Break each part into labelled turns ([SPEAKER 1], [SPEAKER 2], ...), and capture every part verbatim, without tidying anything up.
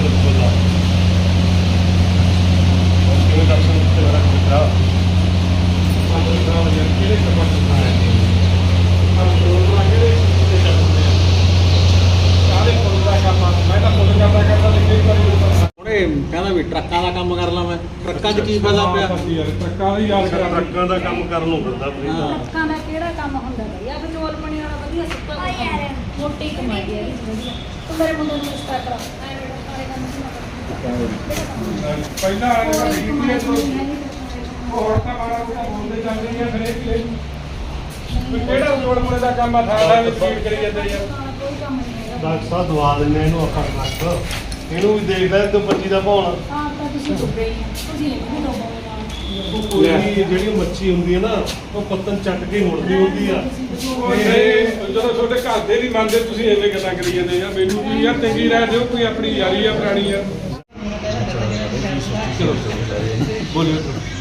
[SPEAKER 1] ਦਰਸ਼ਨ ਦਿੱਤੇ ਮੇਰਾ ਮਿੱਤਰਾ ਕਿਹੜੇ ਕੰਮ ਕਰਨਾ ਹੈ ਹਰ ਪ੍ਰੋਗਰਾਮ ਕਿਹੜੇ ਤੇ ਚੱਲਦੇ ਆ ਸਾਰੇ ਫੁੱਲ ਦਾ ਕੰਮ ਮੈਂ ਤਾਂ ਫੁੱਲ ਕਰਦਾ ਕਰਦਾ ਲਿਖੇ ਕਰੀ
[SPEAKER 2] ਉਹਨੇ ਕਹਿੰਦਾ ਵੀ ਟਰੱਕਾਂ ਦਾ ਕੰਮ ਕਰ ਲਾਂ ਮੈਂ ਟਰੱਕਾਂ 'ਚ ਕੀ ਫਾਇਦਾ ਪਿਆ
[SPEAKER 1] ਯਾਰ ਟਰੱਕਾਂ ਦੀ ਯਾਦ ਕਰਾਂ ਟਰੱਕਾਂ ਦਾ ਕੰਮ ਕਰਨ ਨੂੰ ਫਿਰਦਾ
[SPEAKER 3] ਟਰੱਕਾਂ ਦਾ ਕਿਹੜਾ ਕੰਮ ਹੁੰਦਾ ਬਈ ਆ ਵਿਚੋਲ ਬਣੀ ਵਾਲਾ ਵਧੀਆ ਸੁੱਕਾ ਯਾਰ ਮੋਟੀ ਕਮਾਈ ਹੈ ਇਹਦੀ ਵਧੀਆ ਤੂੰ ਮੇਰੇ ਮੁੰਡੇ ਨੂੰ ਰਿਸ਼ਤਾ ਕਰਾ ਐ ਮੇਰੇ ਸਾਰੇ ਕੰਮ
[SPEAKER 1] ਪਹਿਲਾਂ ਆਲੇ ਦਾ ਡੀਪੀਏ ਤੋਂ ਉਹ ਹੁਣ ਤਾਂ ਮਾਰਾ ਉਹ ਬੋਲਦੇ ਚੱਲ ਰਹੀ ਹੈ ਫਿਰ ਇਹ ਕੀ ਕਿਹੜਾ ਜੋੜ ਮੁੰਡੇ ਦਾ ਕੰਮ ਆ ਥਾਣਾ ਵਿੱਚ ਫੀਡ ਕਰੀ ਜਾਂਦੇ ਯਾਰ
[SPEAKER 3] ਕੋਈ ਕੰਮ ਨਹੀਂ ਹੈਗਾ
[SPEAKER 1] ਡਾਕਟਰ ਸਾਹਿਬ ਦਵਾ ਦਿੰਦੇ ਇਹਨੂੰ ਆਪਾਂ ਰੱਖ ਇਹਨੂੰ ਵੀ ਦੇਖ ਲੈ ਤੂੰ ਪੱਚੀ ਦਾ ਭਾਉਣਾ
[SPEAKER 3] ਹਾਂ ਤਾਂ ਤੁਸੀਂ ਡੁੱਬੇ ਹੀ ਆ ਤੁਸੀਂ ਇਹਨੂੰ ਡੁੱਬੋਗੇ
[SPEAKER 1] ਕੋਈ ਜਿਹੜੀ ਮੱਛੀ ਹੁੰਦੀ ਹੈ ਨਾ ਉਹ ਪੱਤਨ ਚੱਟ ਕੇ ਮੁੜਦੀ ਹੁੰਦੀ ਆ ਜਦੋਂ ਤੁਹਾਡੇ ਘਰ ਦੇ ਨਹੀਂ ਮੰਨਦੇ ਤੁਸੀਂ ਐਵੇਂ ਗੱਲਾਂ ਕਰੀ ਜਾਂਦੇ ਯਾਰ ਮੈਨੂੰ ਵੀ ਯਾਰ ਚੰਗੀ ਰਾਹ ਦਿਓ ਕੋਈ ਆਪਣੀ ਯਾਰੀ ਆ ਪੁਰਾਣੀ ਯਾਰ ਚਲੋ ਬੋਲਿਓ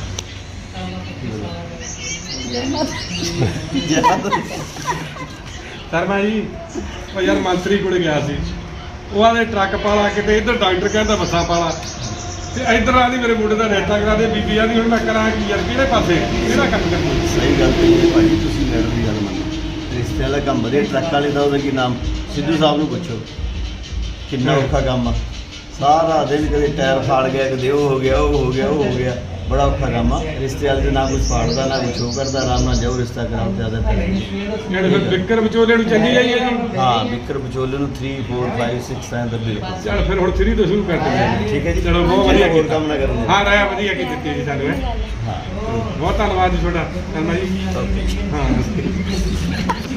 [SPEAKER 1] ਸ਼ਰਮਾ ਜੀ ਉਹ ਯਾਰ ਮੰਤਰੀ ਕੋਲ ਗਿਆ ਸੀ ਉਹ ਆਲੇ ਟਰੱਕ ਪਾਲਾ ਕਿਤੇ ਇੱਧਰ ਡਾਕਟਰ ਕਹਿੰਦਾ ਬੱਸਾਂ ਪਾਲਾ ਤੇ ਇੱਧਰ ਆਦੀ ਮੇਰੇ ਮੁੰਡੇ ਦਾ ਰਿਸ਼ਤਾ ਕਰਾ ਦੇ ਬੀਬੀ ਆਦੀ ਹੁਣ ਮੈਂ ਕਰਾਂ ਕੀ ਯਾਰ ਕਿਹੜੇ ਪਾਸੇ ਕਿਹੜਾ ਕੰਮ ਕਰਨਾ
[SPEAKER 4] ਸਹੀ ਗੱਲ ਕਹੀ ਭਾਈ ਤੁਸੀਂ ਮੇਰੇ ਦੀ ਗੱਲ ਮੰਨੋ ਰਿਸ਼ਤੇ ਵਾਲਾ ਕੰਮ ਵਧੀਆ ਟਰੱਕ ਵਾਲੇ ਦਾ ਉਹਦਾ ਕੀ ਨਾਮ ਸਿੱਧੂ ਸਾਹਿਬ ਨੂੰ ਪੁੱਛੋ ਕਿੰਨਾ ਔਖਾ ਕੰਮ ਆ ਸਾਰਾ ਦਿਨ ਕਦੇ ਟਾਇਰ ਫਾੜ ਗਿਆ ਕਦੇ ਉਹ ਹੋ ਗਿਆ ਉਹ ਹੋ ਗਿਆ ਉਹ ਹੋ ਗਿਆ ਬੜਾ ਔਖਾ ਕੰਮ ਆ ਰਿਸ਼ਤੇ ਵਾਲੇ ਦੇ ਨਾ ਕੁਝ ਫਾੜਦਾ ਨਾ ਕੁਝ ਉਹ ਕਰਦਾ ਆਰਾਮ ਨਾਲ ਜਾਓ ਰਿਸ਼ਤਾ ਕਰਾਉਣ ਜ਼ਿਆਦਾ ਪੈਸੇ
[SPEAKER 1] ਜਿਹੜੇ ਫਿਰ ਵਿਕਰ ਵਿਚੋਲੇ ਨੂੰ ਚੰਗੀ ਆਈ ਹੈ ਜੀ
[SPEAKER 4] ਹਾਂ ਵਿਕਰ ਵਿਚੋਲੇ ਨੂੰ ਤਿੰਨ ਚਾਰ ਪੰਜ ਛੇ ਸੱਤ ਤਾਂ ਬਿਲਕੁਲ
[SPEAKER 1] ਚਲ ਫਿਰ ਹੁਣ ਥਰੀ ਤੋਂ ਸ਼ੁਰੂ ਕਰ ਦਿੰਦੇ
[SPEAKER 4] ਠੀਕ ਹੈ ਜੀ
[SPEAKER 1] ਚਲੋ ਬਹੁਤ ਵਧੀਆ
[SPEAKER 4] ਹੋਰ
[SPEAKER 1] ਕੀਤਾ
[SPEAKER 4] ਕੰਮ ਨਾ ਕਰਨ
[SPEAKER 1] ਹਾਂ ਰਾਇਆ ਵਧੀਆ ਕੀ ਦਿੱਤੀ ਜੀ ਸਾਨੂੰ
[SPEAKER 4] ਹਾਂ
[SPEAKER 1] ਬਹੁਤ ਧੰਨਵਾਦ ਜੀ ਤੁਹਾਡਾ ਸ਼ਰਮਾ ਜੀ ਹਾਂ